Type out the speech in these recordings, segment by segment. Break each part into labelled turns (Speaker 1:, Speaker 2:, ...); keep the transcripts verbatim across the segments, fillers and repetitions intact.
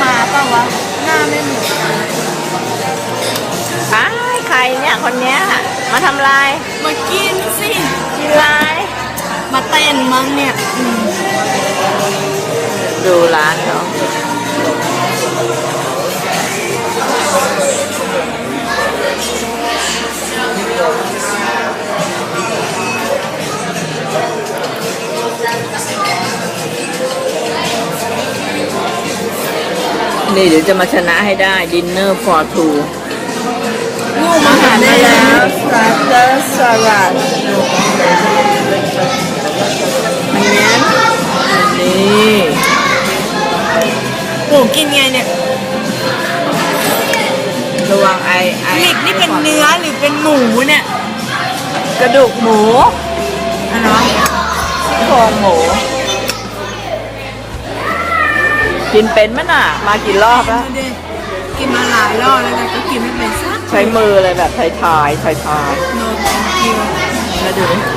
Speaker 1: ค้าเปล่าวะหน้าไม่เหมือนกัน
Speaker 2: ใช่ใครเนี่ยคนเนี้ยมาทำลาย
Speaker 1: มากินสิ
Speaker 2: กินลาย
Speaker 1: มาเต้นมั้งเนี่ย
Speaker 2: ดูร้านเขานี่เดี๋ยวจะมาชนะให้ได้ Dinner for two
Speaker 1: ลูกมาหาได้แล้ว
Speaker 2: Starter Salad อันนี้นี่
Speaker 1: หมูกินไงเนี่ย
Speaker 2: ระวังไอไอ
Speaker 1: หลิกนี่เป็นเนื้อหรือเป็นหมูเนี่ย
Speaker 2: กระดูกหมู
Speaker 1: อะไร
Speaker 2: โครงหมูกินเป็นมั้ยน่ะมากี่รอบแล้ว
Speaker 1: กินมาหลายรอบแล้วแต่ก็กินไม่เป็นสัก
Speaker 2: ใช้มือเลยแบบไทยๆไทยๆแล้วดูดิ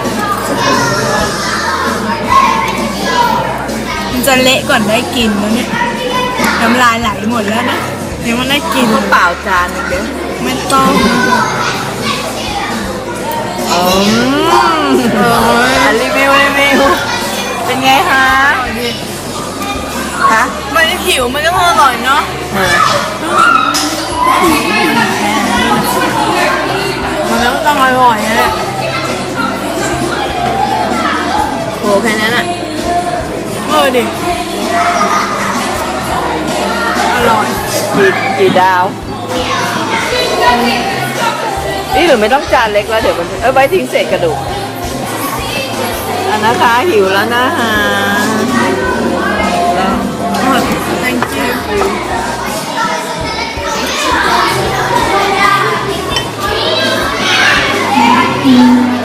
Speaker 1: มันจะเละก่อนได้กินแล้วเนี่ยน้ำลายไหลหมดแล้วนะยังไม่ได้กิน
Speaker 2: ก็เปล่าจานนึงเดี๋ยว
Speaker 1: ไม่ต้อง
Speaker 2: อืมรีวิวรีวิวเป็นไงคะฮะ
Speaker 1: มันผิวมันก็อร่อยเนาะมันก็ต้องอร่อยนะ
Speaker 2: โหแค่นั้นอ่ะ
Speaker 1: เออดิอร่อย
Speaker 2: กี่กี่ดาวนี่หรือไม่ต้องจานเล็กแล้วเดี๋ยวมันเออไว้ทิ้งเศษกระดูกอันนะคะหิวแล้วนะคะแล้ว
Speaker 1: thank you